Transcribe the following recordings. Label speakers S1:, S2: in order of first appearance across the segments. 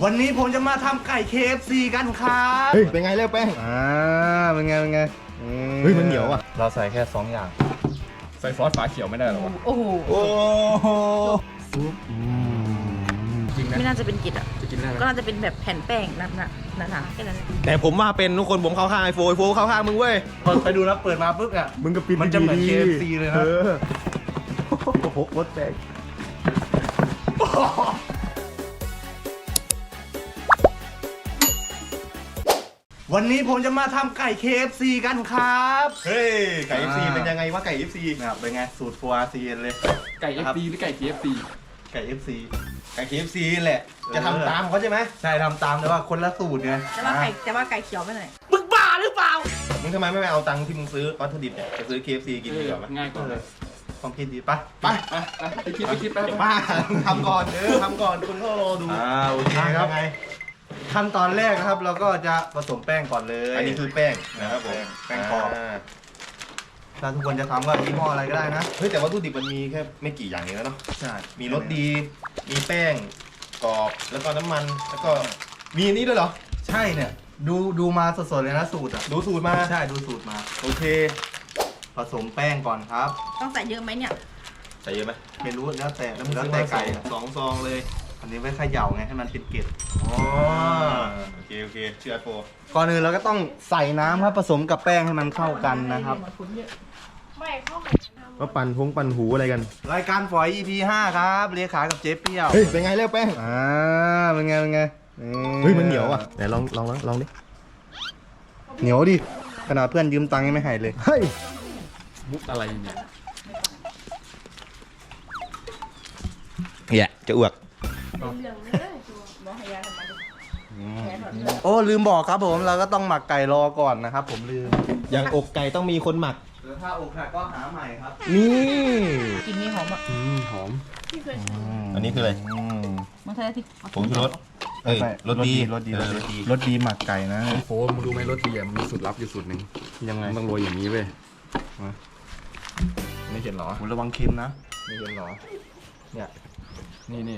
S1: วันนี้ผมจะมาทำไก่ KFC กันครับ
S2: เฮ้ยเป็นไงเร็วแป้ง
S1: เป็นไง
S2: เฮ้ยมันเหนียวอ่ะ
S1: เราใส่แค่2อย่าง
S3: ใส่ซอสฝาเขียวไม่ได้หรอวะ
S4: โอ้โห
S2: โอ้โห
S3: จริงนะ
S4: ไม่น่าจะเป็นกิจอ่ะ
S3: จะกินได้ไหม
S4: ก็น่าจะเป็นแบบแผ่นแป้งหนาๆแค่นั้น
S2: แต่ผมว่าเป็นทุกคนผมเข้าข้างไอโฟเข้าข้างมึงเว้ย
S1: ไปดูแล้วเปิดมาปุ๊บอ่ะ
S2: มึงก็ปิด
S1: มันจะเหมือน KFC เลยนะ
S2: โอ้โหรถแตก
S1: วันนี้ผมจะมาทำไก่ KFC กันครับ
S2: เฮ้ยไก่ FC เป็นยังไงวะไก่ FC
S1: นะครับเป็นไงสูตรฟัวซีนเลย
S3: ไก่ FC หรือไก่ KFC
S1: ไก่ FC
S2: ไก่ KFC แหละจะทำตามเขาใช่ไหม
S1: ใช่ทำตามแต่ว่าคนละสูตรไง
S4: แต่ว่าไก่เขียวไม่หน่อย
S2: มึงทำไมไม่เอาตังค์ที่มึงซื้อวัตถุดิบเนี่ยจะซื้อ KFC กินดีกว่าไหม
S3: ง่ายกว่าเลย
S1: ความคิดดีปะ
S2: ไป
S3: ไปคิดไป
S2: ป้าทำก่อนทำก่อนคุณก็รอดู
S1: โอเคครับ
S2: ยังไง
S1: ขั้นตอนแรกนะครับเราก็จะผสมแป้งก่อนเลย
S2: อันนี้คือแป้งนะครับผม
S1: แป้งกรอบ ถ้าทุกคนจะทำก็ยี่ห้ออะไรก็ได้นะ
S2: เฮ้ยแต่วัตถุดิบมันมีแค่ไม่กี่อย่างเองแล้วเนาะ
S1: ใช่
S2: มีรสดี มีแป้งกรอบ แล้วก็น้ำมัน แล้วก็มีอันนี้ด้วยเหรอ
S1: ใช่เนี่ยดูมาสดๆเลยนะสูตรอ่ะ
S2: ดูสูตรมา
S1: ใช่ดูสูตรมา
S2: โอเค
S1: ผสมแป้งก่อนครับ
S4: ต้องใส่เยอะไหมเนี่ย
S2: ใส่เยอะไหม
S1: ไม่รู้แล้วแต่ไก่อะ
S2: สองซองเลย
S1: อันนี้ไว้เขย่าไงให้มันเป็นเกล็ด
S2: อ๋อโอเคเชื่อโฟ
S1: ก่อนอื่นเราก็ต้องใส่น้ำครับผสมกับแป้งให้มันเข้ากันนะครับ
S2: ก็ปั่นหูอะไรกัน
S1: รายการฝอย EP 5ครับเลขากับเจ๊เปรี้ยว
S2: เฮ้ยเป็นไงเร็วแป้ง
S1: เป็นไง
S2: เฮ้ยมันเหนียวอ่ะไหนลองดิ
S1: เหนียวดิขนาดเพื่อนยืมตังค์ยังไม่ให้เลย
S2: เฮ้ย
S3: มุกอะไรเนี่ย
S2: จะอ้วก
S1: โอ้ลืมบอกครับผมเราก็ต้องหมักไก่รอก่อนนะครับผมลืม
S2: อย่างอกไก่ต้องมีคนหมัก
S1: หรือถ้าอกหักก็หาใหม่ครับ
S2: นี่
S4: กินนี่หอมอ่ะ
S3: หอม
S2: อันนี้คืออะไร
S4: มันใช่ที่
S2: ผงชูรสเอ้ยรสดี
S1: รสดีหมักไก่นะ
S3: โฟมึงรู้ไหมรสดีมันมีสูตรลับอยู่สูตรหนึ่ง
S1: ยังไง
S3: มันต้องโรยอย่างนี้เว้ยไม่เห็นหรอ
S1: ระวังเค็มนะ
S3: ไม่เห็นหรอ
S1: เนี่ย
S3: นี่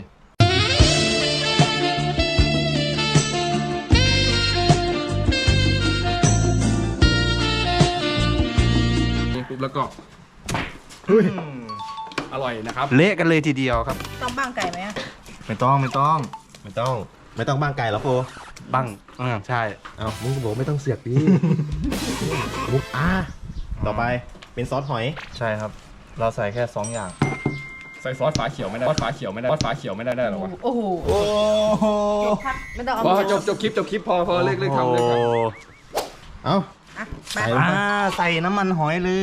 S3: ปุ๊บแล้วก็อร่อยนะครับ
S1: เละกันเลยทีเดียวครับ
S4: ต้องบ้างไก่ไหมอะ
S1: ไม่ต้อง
S2: ไม่ต้องบ้างไก่หรอโฟ
S1: บังใช่
S2: เอามึงบอกไม่ต้องเสือกดิมุกต่อไปเป็นซอสหอย
S1: ใช่ครับ เราใส่แค่2อย่าง
S3: ใส่ซอสฝาเขียวไม่ได้ซอสฝาเขียวไม่ได้ซอสฝาเขียวไม่ได้หรอวะ
S4: โอ้โห
S2: โอ้โห
S4: ไม่ต้องเอา
S3: พอจบคลิปพอเลิกทำเลยครับ
S2: เอา
S4: อ่ะไป
S2: ใส่ลงไป
S1: ใส่น้ำมันหอยเลย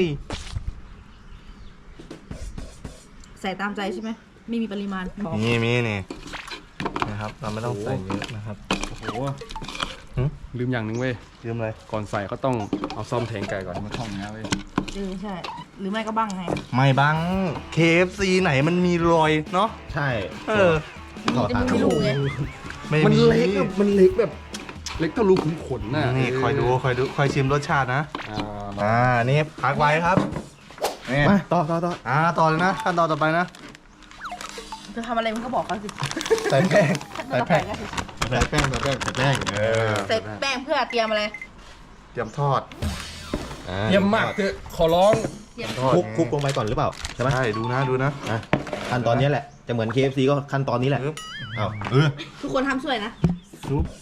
S4: ใส่ตามใจใช่ไหมไม่มีปริมาณบอก
S1: นี่นะครับเราไม่ต้องใส่เยอะนะครับ
S3: โอ้โหลืมอย่างหนึ่งเว้ย
S1: ลืมเลย
S3: ก่อนใส่เขาต้องเอาซ่อมแทงไก่ก่อนมาท่องนะเว้ย
S4: ใช่ หรือไม่ก็บ้างไง
S1: ไม่บัง KFC ไหนมันมีรอยเนาะ
S2: ใช่
S1: ขอ
S4: จะ
S1: ทาน
S4: มีรูไง
S3: มันเล็กอะมันเล็กแบบเล็กเท่ารูขุมขนน่ะ
S1: นี่คอยดูคอยชิมรสชาตินะ นี่พักไว้ครับนี่
S2: มาต่อ
S1: ต่อเลยนะขั้นตอนต่อไปนะ
S4: จะทำอะไรมึงก็บอกเขาสิ
S1: ใส่แป้ง
S4: ขั้นตอนต่อไปก็คือ
S2: ใส่แป้ง
S4: ใส่แป้งเพื่อเตรียมอะไร
S1: เตรียมทอด
S3: เยี่ยมมากเถอะขอร้อง
S4: เตรียม
S1: ทอด
S2: คลุกลงไปก่อนหรือเปล่าใช่ไหม
S1: ใช่ดูนะ
S2: ขั้นตอนนี้แหละจะเหมือน KFC ก็ขั้นตอนนี้แหละเอา
S4: ทุกคนทำช่วยนะ
S1: ซุป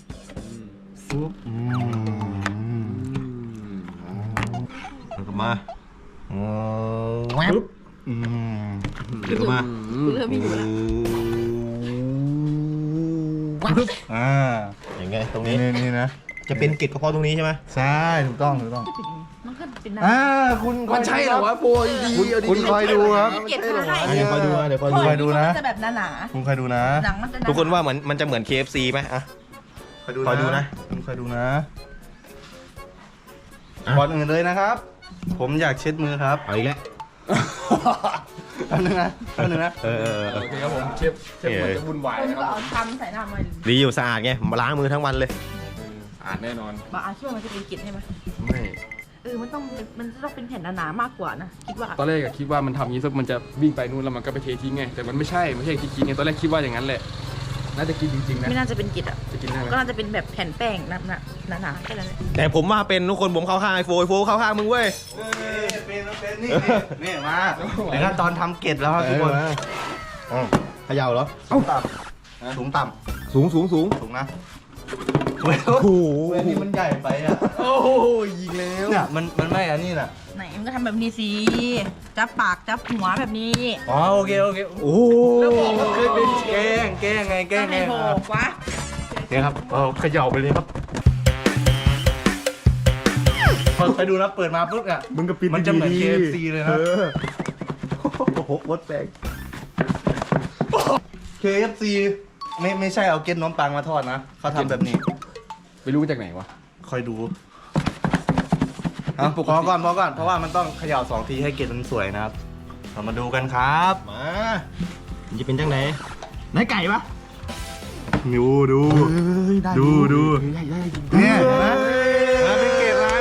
S1: แล้วก็มาแวบเดี๋ยวก็มา
S4: เริ่มมีอยู่แล้ว
S2: อย่างไงตรงนี้
S1: นี่นะ
S2: จะเป็นเกล็ดกระเพาะตรงนี้ใช่ไหม
S1: ใช่ถูกต้อง
S4: มันก็เป็นน้ำ
S1: คุณ
S3: มันใช่เหรอวะโปรดี
S1: คุณคอยดูครับ
S4: เกล็ดมาให้
S2: เดี๋ยวคอยดูนะ
S1: คอยดูนะ
S4: จะแบบหนา
S1: คุณคอยดูนะ
S4: ๆหนังมันจะหนา
S2: ทุกคนว่ามันจะเหมือน KFC ไหมอะ คอยดูนะ
S1: คุณคอยดูนะก่อนอื่นเลยนะครับ ผมอยากเช็ดมือครับ
S2: เอาอีกแล้ว
S1: แป๊บนึงนะ
S3: โอเคครับผมเชฟมันจะวุ่นวาย
S4: คน
S3: นะค
S4: ก็
S3: รับ
S4: เอาทำใส่หน้ามัน
S2: ดีอยู่สะอาดไงมาล้างมือทั้งวันเลย
S3: อ่านแน่นอน
S4: บางอาชีพมันจะเป็นกลิ่นใช่ไหม
S3: ไม่
S4: มันต้องเป็นแผ่นหนาๆมากกว่านะคิดว่า
S3: ตอนแรกอะคิดว่ามันทำอย่างนี้สักมันจะวิ่งไปนู่นแล้วมันก็ไปเททิ้งไงแต่มันไม่ใช่ที่คิดไงตอนแรกคิดว่าอย่างนั้นแหละน่าจะกินจริงๆนะ
S4: ไม่น่าจะเป็นกิจอ่ะ
S3: จะกินได้ไหม
S4: ก็น่าจะเป็นแบบแผ่นแป้งหนาๆแค่นั้นแหละ
S1: แต่ผมว่าเป็นทุกคนผมเข้าข้างไอโฟเข้าข้างมึงเว้ย
S2: เป็นนี่มาเดี๋ยวตอนทำเกล็ดแล้วครับทุกคน
S1: เขย่าเหรอ
S2: สูงต่ำสูงต่ำ
S1: สูง
S2: สูงนะโอ้โหนี่มันใหญ่ไปอ่ะ
S1: โอ้ยยิงแล้ว
S2: เนี่ยมันไม่อันนี้น่ะ
S4: ไหนมันก็ทำแบบนี้สิจับปากจับหัวแบบนี้
S2: อ๋อโอเคโอ้
S1: แล้วบอกว่าเคยเป็น
S2: แกล้งไง
S4: ต้องให้โผล่วะ
S2: เนี่ยครับเขย่าไปเลยครับพอไปดูนะเปิดมาปุ๊บอ่ะ
S1: มึงก็ปิด
S2: มันจะเหมือน
S1: ดีๆ
S2: KFC เลยนะ
S1: โอ้โหวดแปลง
S2: KFC ไม่ใช่เอาเกล็ดน้มปังมาทอดนะเขาทำแบบนี้
S3: ไปรู้มาจากไหนวะ
S2: คอยดูพอก่อนเพราะว่ามันต้องเขย่า2 ทีให้เกล็ดมันสวยนะครับเรามาดูกันครับ
S1: มามันจะเป็นจังไหนไหนไก่ปะ
S2: ดูดู
S1: ได้
S2: ดู เนี่ยเห็นไหมเป็นเกล็ดนะ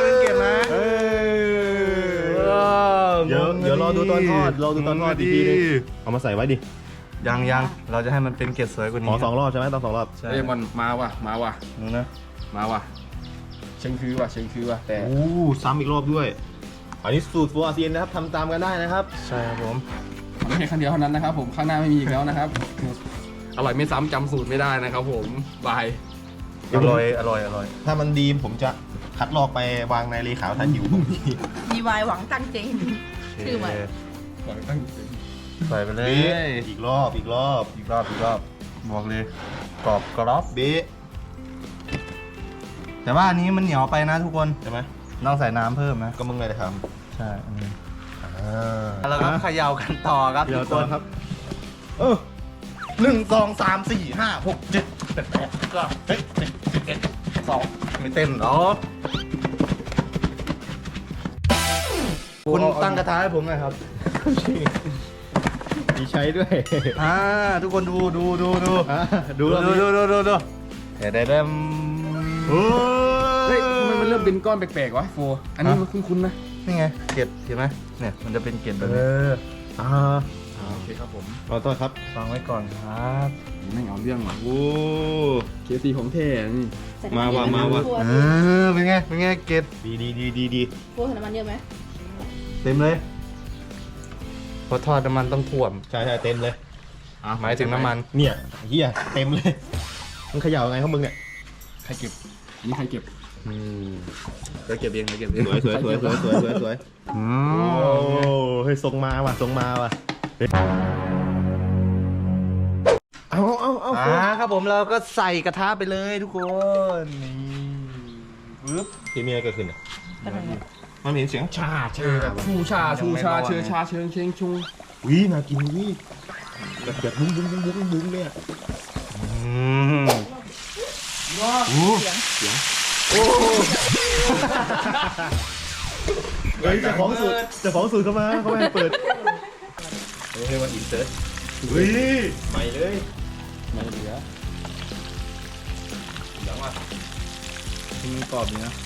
S1: เดี๋ยวรอดูตอนทอดอีกทีนึงเอามาใส่ไว้ดิ
S2: ยังเราจะให้มันเป็นเกล็ดสวยกว่า
S1: ข
S2: นี้
S1: อ2 รอบใช่ไหมต้อง2 รอบ
S2: ใช่
S3: เอ้ยมันมาว่ะ
S2: ดูนะ
S3: มาว่ะเชิงคือว่ะแต่
S1: โอ้ซ้ำอีกรอบด้วย อันนี้สูตรโฟอาเซียนนะครับทำตามกันได้นะครับ
S2: ใช่ครับผม
S3: มันไม่ใช่ครั้งเดียวเท่านั้นนะครับผมข้างหน้าไม่มีอีกแล้วนะครับอร่อยไม่ซ้ำจำสูตรไม่ได้นะครับผมบาย
S2: อร่อย
S1: ถ้ามันดีผมจะคัดลอกไปวางในเลขาวทันอยู่ผมที
S4: มีวายหวังตั้งเจงชื่อใหม่
S3: ขอตั้ง
S2: ใส่ไปเลย
S1: อีกรอบ
S2: อีกรอบบอกเลยกรอบกรอบ
S1: เบ๊ะ
S2: แต่ว่าอันนี้มันเหนียวไปนะทุกคน
S1: ใช่ไหม
S2: ต้องใส่น้ำเพิ่มนะ
S1: ก็มึงเลยนะครับ
S2: ใช่อันนี้แล้วก็เขย่ากันต่อครับ
S1: เดี๋ยว
S2: ทุก
S1: ต่
S2: ค
S1: อน ครับ
S2: 1 2 3 4 5 6 7 8 9 10 11 12ไม่เต้นหรอคุณตั้งกระทะให้ผมหน่อยครับ
S1: มีใช้ด้วย
S2: ทุกคนดู
S1: ดู
S2: ดู
S1: ดู
S2: เดี๋ยว
S3: เฮ้ยทำไมมันเริ่มเป็นก้อนแปลกๆวะโฟอันนี้มันคุ้นๆนะ
S2: นี่ไงเกล็ดเห็นไหมเนี่ยมันจะเป็นเกล็ดแบบ
S1: เอ
S2: นี้
S1: อ
S3: โอเคครับผม
S1: ขอโทษครับ
S2: ฟังไว้ก่อนครับ
S3: ไม่เอาเรื่องว่ะ
S1: โอ้
S3: เคซีของแท้นี่
S1: มาว่ะ
S2: เป็นไงเกล็ด
S1: ดี
S4: พวกน้ำมันเยอะไหม
S2: เต็มเลยพอทอดน้ำมันต้องท่วม
S1: ใช่เต็มเลย
S2: หมายถึงน้ำมัน
S1: เนี่ยเฮียเต็มเลยมึงเขย่าไงของมึงเนี่ย
S3: ใครเก็บอันนี้ใครเก็บ
S2: เราเก็บเองเราเก็บเอ
S1: ส
S2: ง
S1: วยโอ้เฮ้ยทรงมาว่ะเอา
S2: ครับผมเราก็ใส่กระทะไปเลยทุกคนนี่ปึ๊บ
S1: ที่มีอะไรเกิดขึ้นอ่ะ
S4: เป็นยังไง
S1: มันเห็นเสียงชา
S3: ชูชาเชิงเชงชุง
S1: วิน่ากินวิแบบบุ้งเนี่ย
S4: เสียง
S1: เฮ้ยเจ้าของสูตรเข้ามาเขาไม่ให้เปิด
S2: เฮ้ยวันอินเสิร์ต
S1: วิใหม่เลย
S3: ไม่เหลือ
S1: หลังว่ะ
S2: มันกรอบดีนะ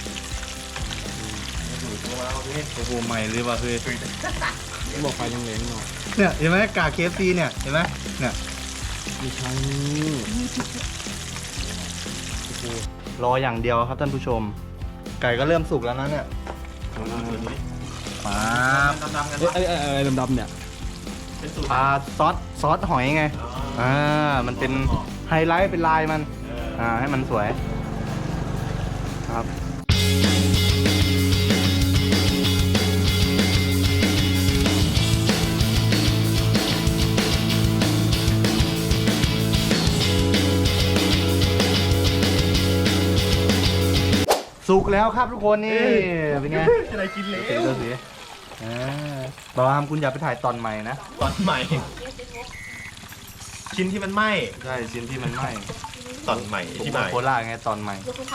S2: โอ้โหใหม่เลยว่ะคือ
S3: บอกไฟแรงๆหน่อย
S2: เนี่ยเห็นไหมกากเคฟซีเนี่ยเห็นไหมเนี่ย
S3: ไม่ใช่
S2: รออย่างเดียวครับท่านผู้ชม ไก่ก็เริ่มสุกแล้วนะเนี่ยมา
S3: อะไรดำๆเนี่ย
S2: ซอสหอยไงมันเป็นไฮไลท์เป็นลายมันให้มันสวยครับ สุกแล้วครับทุกคนนี่เป็นไง
S1: อะไรกินเลย
S2: ดูสิบาวามคุณอย่าไปถ่ายตอนใหม่นะ
S1: ตอนใหม่ ชิ้นที่มันไหม้
S2: ใช่ชิ้นที่มันไหม้
S1: ตอนใหม่
S2: ผม
S1: ที่
S2: บ
S1: ให
S2: อก
S1: ม่
S2: โคราชไงตอนใหม่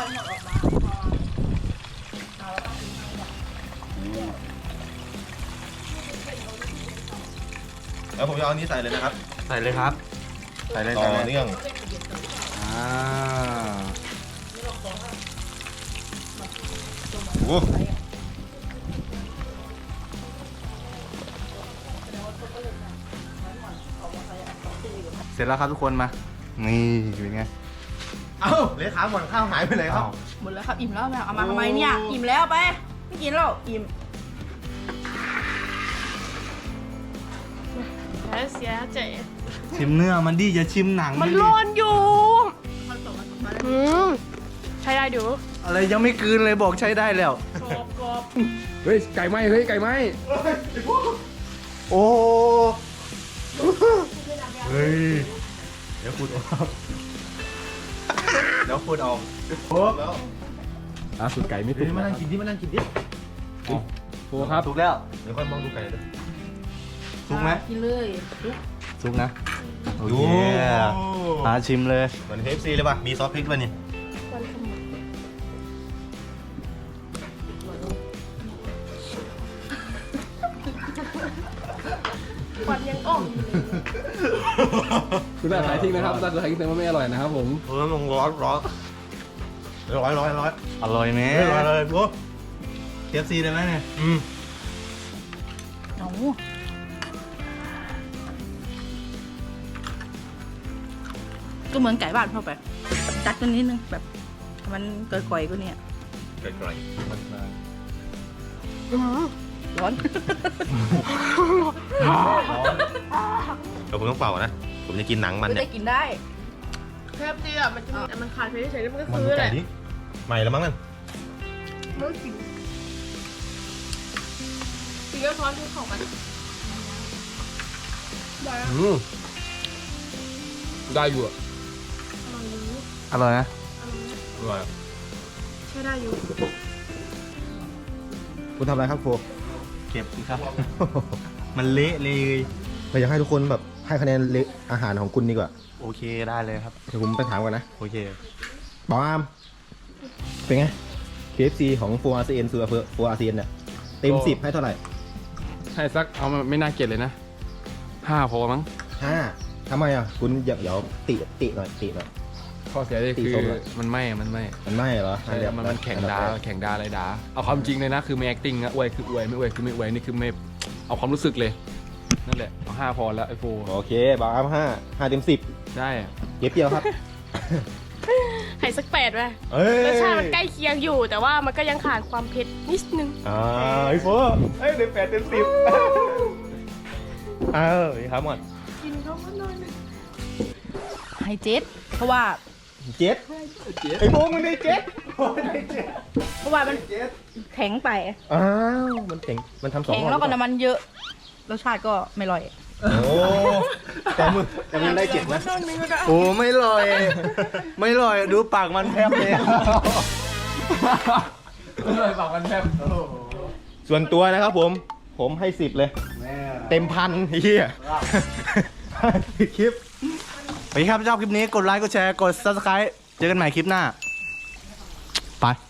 S1: แล้วผมจะเอาอันนี้ใส่เลยนะครับ
S2: ใส่เลยครับ ใส่เลย
S1: ต่อ
S2: ใส่เลย
S1: เนื่อง โอ้
S2: เสร็จแล้วครับทุกคนมานี่เป็นไง
S1: เอ้าเลขาหมดข้าวหายไปไหนครับ
S4: หมดแล้วครับ อิ่มแล้วแม่เอามาทำไมเนี่ย อิ่มแล้วไป ไม่กินแล้ว อิ่ม
S5: แล้วเสียใจ
S2: ชิมเนื้อมันดีจะชิมหนัง
S5: มัน
S2: ดิ
S5: ร้อนอยู่อืมใช้ได้ดู
S2: อะไรยังไม่กลืนเลยบอกใช้ได้แล้ว
S5: กรอบกรอบ
S3: เฮ้ยไก่ไหมเฮ้ยไก่ไหม
S2: โอ้
S1: เฮ้ยเดี๋ยวพูดออกเดี๋ยวพูดออกแล้ว
S3: ล่าสุดไก่ไม่
S1: เดี๋
S3: ตุ
S1: ยว
S3: ก
S1: มานั่งกินดิมานั่งกินดิ
S3: โฟครับ
S2: สุกแล้ว
S1: เดี๋ยวค่อยมองดูไก่เลย
S2: สุกไหม
S4: กินเลยลุก
S2: สุกนะโอ
S1: ดู
S2: เคชิมเลย
S1: เหมือน KFC เลยป่ะมีซอสพริกป่ะนี่
S5: วันขมุนควันยังอ่องอยู่เลย
S3: คุณแม่ขายทิ้งนะครับถ้าเกิดใครกินว่าไม่อร่อยนะครับผม
S1: ลงร้อนร้อนร้อย
S2: อร่อยไหม
S1: ร้อยเลยโอ้
S2: KFC ได้ไหมเนี่ย
S4: เอาก็เหมือนไก่บ้านเข้าไป จัดกันนิดนึงแบบมันก่อยๆก็เนี่ย
S1: ไก่ไก่
S4: ร้อน
S1: เดี๋ยวผมต้องเป่านะ ผมจะกินหนังมัน
S4: ไม่
S1: เนี่
S4: ได้
S1: ย
S4: กินได้
S5: แค่เดียวมันจะมีแต่มันขาดไปเฉยๆแล้วมันก็
S1: มัน
S5: ซื้
S1: ดู
S5: อแห
S1: ไก่
S5: ละ
S1: ดิใหม่แล้วมั้งนั่น
S5: ไม่กินกินก็ซ้อนที่ของมันได้แล้ว
S3: ได้อยู่อะ
S2: อร่อยนะ
S3: อร่อย
S5: ใช้ได้อยู่
S1: คุณทำอะไรครับโฟ
S2: เก็บสิครับ มันเละเลย
S1: เราอยากให้ทุกคนแบบให้คะแนนอาหารของคุณดีกว่า
S2: โอเคได้เลยครับ
S1: เดี๋ยวผมไปถามก่อนนะ
S2: โอเค
S1: บอมเป็นไง KFC ของโฟอาเซียนคือโฟอาเซียนเนี่ยเต็ม10ให้เท่าไหร่
S3: ให้สักเอามาไม่น่าเกลียดเลยนะ5พอมั้ง
S1: 5ทำไมอ่ะคุณเดี๋ยวติหน่อย
S3: ข้อเสียเลย
S1: ตี
S3: คือ
S1: ส้มเลย
S3: มันไม่
S1: มันไม่เหรอ
S3: ใช่มันแข่งดาอะไรดาเอาความจริงเลยนะคือไม่ acting นะอวยคืออวยไม่อวยคือไม่อวยนี่คือไม่เอาความรู้สึกเลยนั่นแหละเอา5พอแล้วไอโฟ
S1: โอเคบอม5เต็ม10
S3: ได้
S1: เก็บเดียวครับ
S5: ให้สัก8ไป
S1: เอ้ย
S5: รสชาติมันใกล้เคียงอยู่ แต่ว่ามันก็ยังขาดความเผ็ดนิดนึง
S1: ไอโฟเอ้ยเต็ม8เต็ม10ครับหมด
S5: กินเข้ามาหน่อย
S4: ให้เจ็ดเพราะว่า
S1: เจ็ดไอโฟมันได้เจ็ด
S4: เพราะว่ามันแข็งไป
S1: อ้าวมันเจ๋งมันทำ2
S4: แข็ง
S1: รอบ
S4: แล้วก็น้ำมันเยอะ รสชาติก็ไม่อร่อย
S1: โอ้แต่มึงได้เจ็ดนะ
S2: โอ้ไม่ลอย ไม่ลอยดูปากมันแทบเลย
S3: อร่อยปากมันแทบ
S1: ส่วนตัวนะครับผมให้10เลย เต็มพันเฮียคลิป
S2: ไปครับชอบคลิปนี้กดไลค์กดแชร์กด subscribe เจอกันใหม่คลิปหน้า ไป